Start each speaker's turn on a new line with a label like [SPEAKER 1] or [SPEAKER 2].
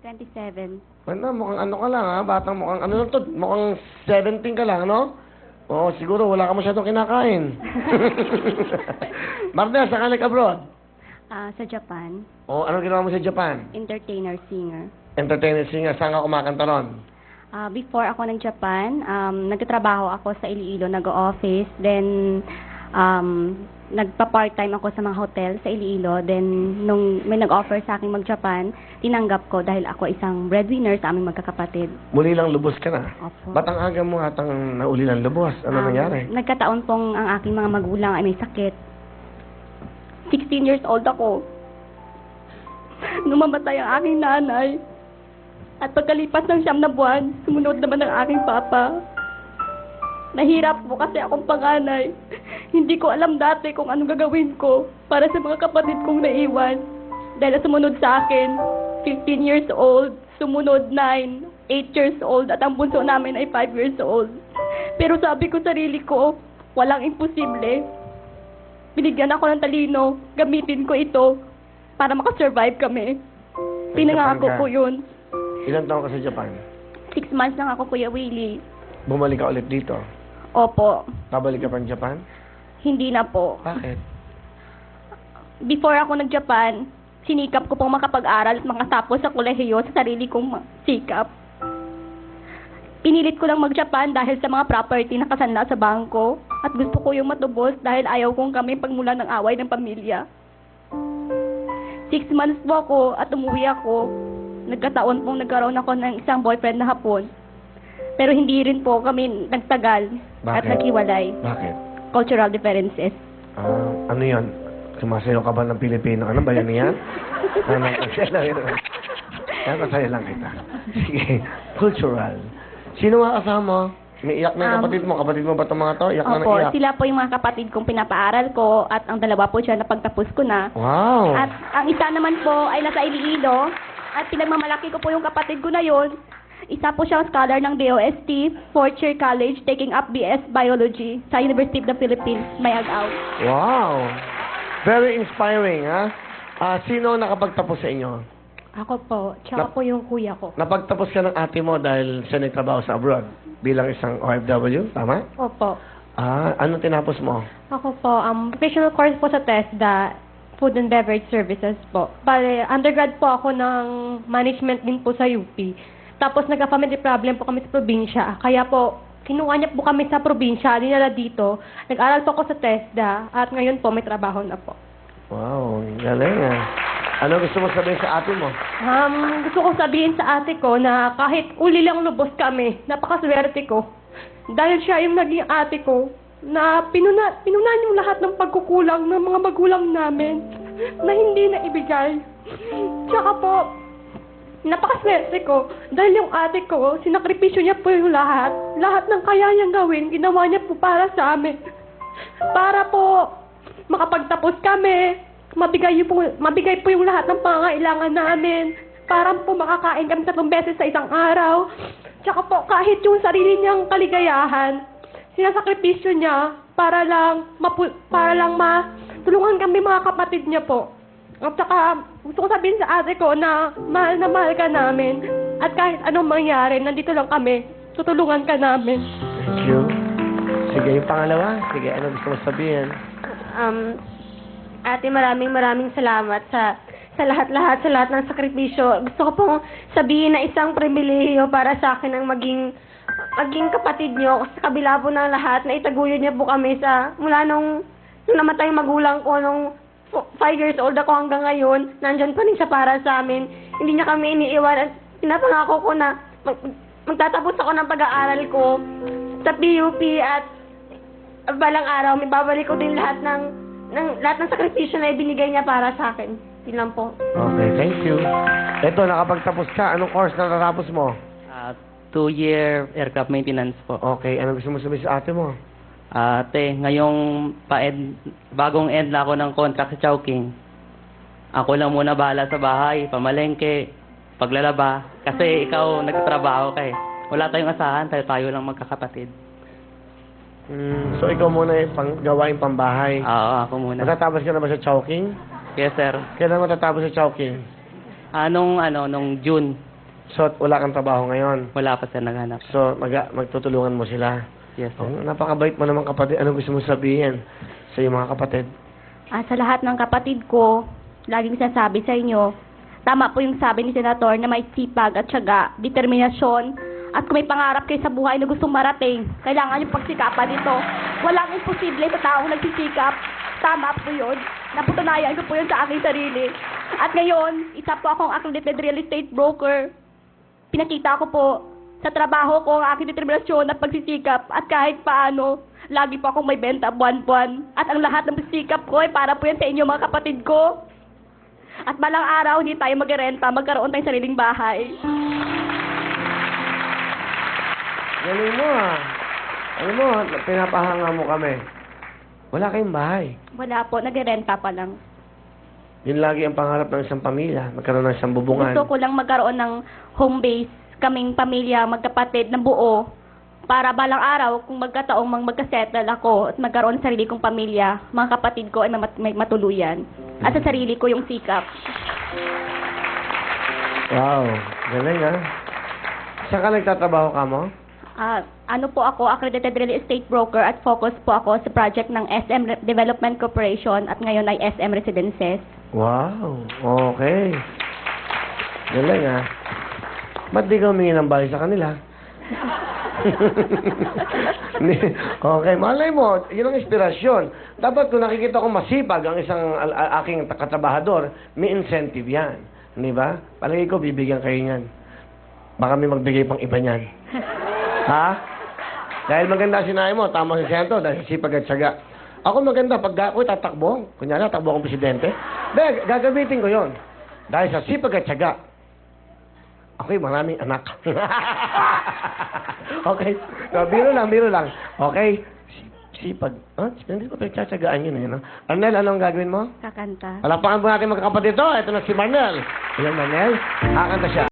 [SPEAKER 1] 27.
[SPEAKER 2] Ano, mukhang ano ka lang, ha? Batang mukhang ano lang to, mukhang 17 ka lang, no? Oo, siguro wala ka masyadong kinakain. Marnel, saan ka nag-abroad?
[SPEAKER 1] Sa Japan,
[SPEAKER 2] Oo, anong ginawa mo sa Japan?
[SPEAKER 1] entertainer, singer.
[SPEAKER 2] Entertainer singer, saan ka kumakanta ron?
[SPEAKER 1] Before ako ng Japan, nagtatrabaho ako sa Iloilo, nag-office. Then, nagpa-part-time ako sa mga hotel sa Iloilo. Then, nung may nag-offer sa akin mag-Japan, tinanggap ko dahil ako isang breadwinner sa aming magkakapatid.
[SPEAKER 2] Muli lang lubos ka na.
[SPEAKER 1] Opo.
[SPEAKER 2] Ba't ang aga mo atang nauli ng lubos? Ano nangyari?
[SPEAKER 1] Nagkataon pong ang aking mga magulang ay may sakit. 16 years old ako. Numamatay ang aking nanay. At pagkalipas ng 9 na buwan, sumunod naman ang aking papa. Nahirap po kasi akong panganay. Hindi ko alam dati kung anong gagawin ko para sa mga kapatid kong naiwan. Dahil sumunod sa akin, 15 years old, sumunod 9, 8 years old, at ang bunso namin ay 5 years old. Pero sabi ko sarili ko, walang imposible. Binigyan ako ng talino, gamitin ko ito para makasurvive kami. Pinangako ko yun.
[SPEAKER 2] Ilang taon ka sa Japan?
[SPEAKER 1] 6 months lang ako, Kuya Willie.
[SPEAKER 2] Bumalik ka ulit dito?
[SPEAKER 1] Opo.
[SPEAKER 2] Pabalik ka pa ng Japan?
[SPEAKER 1] Hindi na po.
[SPEAKER 2] Bakit?
[SPEAKER 1] Before ako nag-Japan, sinikap ko pong makapag-aral at makatapos sa kolehiyo sa sarili kong sikap. Pinilit ko lang mag-Japan dahil sa mga property na kasanla sa bangko at gusto ko yung matubos dahil ayaw kong kami pagmula ng away ng pamilya. 6 months po ako at umuwi ako. Nagkataon pong nagkaroon ako ng isang boyfriend na Hapon. Pero hindi rin po kami nagtagal at
[SPEAKER 2] Bakit?
[SPEAKER 1] naghiwalay.
[SPEAKER 2] Bakit?
[SPEAKER 1] Cultural differences.
[SPEAKER 2] Ano yan? Sumasayo ka ba ng Pilipino? Ano ba yan yan? Ano, kasi lang yun. Kaya kasaya lang kita. Sige. Cultural. Sino mga kasama? May iyak na yung kapatid mo. Kapatid mo ba itong mga to? Iyak na
[SPEAKER 1] Opo,
[SPEAKER 2] iyak.
[SPEAKER 1] sila po yung mga kapatid kong pinapaaral ko at ang dalawa po siya napagtapos ko na.
[SPEAKER 2] Wow.
[SPEAKER 1] At ang isa naman po ay nasa Iloilo at pinagmamalaki ko po yung kapatid ko na yon. Isa po siyang scholar ng DOST, 4th year college, taking up BS Biology sa University of the Philippines, Mayagaw.
[SPEAKER 2] Wow. Very inspiring, ha? Sino nakapagtapos sa inyo?
[SPEAKER 1] Ako po, tsaka po yung kuya ko.
[SPEAKER 2] Napagtapos ka ng ate mo dahil siya nagtrabaho sa abroad bilang isang OFW, tama?
[SPEAKER 1] Opo.
[SPEAKER 2] Ano tinapos mo?
[SPEAKER 1] Ako po, professional course po sa TESDA, Food and Beverage Services po. Bale, undergrad po ako ng management din po sa UP. Tapos nagka-family problem po kami sa probinsya. Kaya po, kinuha niya po kami sa probinsya, dinala dito. Nag-aral po ako sa TESDA at ngayon po may trabaho na po.
[SPEAKER 2] Wow, galing ah. Ano gusto mo sabihin sa ate mo?
[SPEAKER 1] Gusto ko sabihin sa ate ko na kahit uli lang lubos kami, napakaswerte ko. Dahil siya yung naging ate ko na pinunan yung lahat ng pagkukulang ng mga magulang namin na hindi na ibigay. Tsaka po, napakaswerte ko dahil yung ate ko, sinakripisyo niya po yung lahat. Lahat ng kaya niyang gawin, ginawa niya po para sa amin. Para po makapagtapos kami, mabigay po yung lahat ng pangangailangan namin. Para po makakain kami 3 beses sa isang araw. Tsaka po, kahit yung sarili niyang kaligayahan, sinasakripisyo niya para lang matulungan kami mga kapatid niya po. At saka, gusto ko sabihin sa ate ko na mahal ka namin. At kahit anong mangyari, nandito lang kami. Tutulungan ka namin.
[SPEAKER 2] Thank you. Sige, yung pangalawa. Sige, ano gusto mo sabihin?
[SPEAKER 1] Ate, maraming salamat sa lahat ng sakripisyo. Gusto ko pong sabihin na isang pribilehiyo para sa akin ang maging kapatid niyo. Sa kabila po ng lahat, na itaguyod niya po kami mula nung namatay yung magulang ko, nung 5 years old ako hanggang ngayon, nandyan pa rin siya para sa amin. Hindi niya kami iniiwan at pinapangako ko na magtatapos ako ng pag-aaral ko sa PUP at balang araw, may babalik ko din lahat ng sakripisyo na ibinigay niya para sa akin. Yun lang po.
[SPEAKER 2] Okay, thank you. Ito, nakapagtapos ka. Anong course na natapos mo?
[SPEAKER 3] 2-year aircraft maintenance po.
[SPEAKER 2] Okay, ano gusto mo sabihin sa ate mo?
[SPEAKER 3] Ate, ngayong bagong end na ako ng contract sa Chowking. Ako lang muna bahala sa bahay, pamalengke, paglalaba. Kasi ikaw nagtatrabaho ka eh. Wala tayong asahan, tayo lang magkakapatid.
[SPEAKER 2] So, ikaw muna yung gawain pambahay.
[SPEAKER 3] Oo, ako muna.
[SPEAKER 2] Matatapos ka na ba sa Chowking?
[SPEAKER 3] Yes, sir.
[SPEAKER 2] Kailan matatapos sa Chowking?
[SPEAKER 3] Nung June.
[SPEAKER 2] So, wala kang trabaho ngayon.
[SPEAKER 3] Wala pa sir naghanap.
[SPEAKER 2] So, magtutulungan mo sila.
[SPEAKER 3] Yes sir.
[SPEAKER 2] Oh, napakabait mo naman kapatid. Ano gusto mo sabihin sa iyong mga kapatid?
[SPEAKER 4] Sa lahat ng kapatid ko, laging sinasabi sa inyo, tama po yung sabi ni Senator na may sipag at syaga, determinasyon, at kung may pangarap kayo sa buhay na gustong marating, kailangan yung pagsikapan nito. Walang imposible sa taong nagsisikap. Tama po yun. Napatunayan ko po yun sa aking sarili. At ngayon, isa po akong accredited real estate broker. Pinakita ko po sa trabaho ko ang aking determinasyon at pagsisikap at kahit paano, lagi po akong may benta buwan-buwan. At ang lahat ng pagsisikap ko ay para po yan sa inyo mga kapatid ko. At balang araw, hindi tayo magrenta, magkaroon tayong sariling bahay.
[SPEAKER 2] Galing mo ah. Alam mo, pinapahanga mo kami. Wala kayong bahay.
[SPEAKER 4] Wala po, nagrenta pa lang.
[SPEAKER 2] Yun lagi ang pangarap ng isang pamilya. Magkaroon ng isang bubungan.
[SPEAKER 4] Gusto ko lang magkaroon ng home base, kaming pamilya, magkapatid na buo, para balang araw, kung magkataong magkasettle ako at magkaroon ng sarili kong pamilya, mga kapatid ko ay may matuluyan. At sa sarili ko yung sikap.
[SPEAKER 2] Wow. Galing ah. Saan ka nagtatrabaho ka mo?
[SPEAKER 4] Ano po ako, accredited real estate broker at focus po ako sa project ng SM Development Corporation at ngayon ay SM Residences.
[SPEAKER 2] Wow. Okay. Galing ah. Ba't di ka humingi ng bahay sa kanila? Okay, malay mo, yun ang inspirasyon. Dapat kung nakikita ko masipag ang isang aking katrabahador, may incentive yan. Di ba? Palagi ko, bibigyan kayo niyan. Baka may magbigay pang iba niyan. Ha? Dahil maganda sinabi mo, tama si Sento, dahil sipag at syaga. Ako maganda, pag ako'y tatakbo, kunyari, tatakbo akong presidente, dahil gagamitin ko yon. Dahil sa sipag at syaga, ako'y maraming anak. Okay? So, biro lang. Okay? Sipag. Hindi ko pagtsatsagaan yun eh. No? Arnel, anong gagawin mo?
[SPEAKER 4] Kakanta.
[SPEAKER 2] Palakpakan po natin magkakapatid ito. Ito na si Marnel. Ayan, Marnel. Kakanta siya.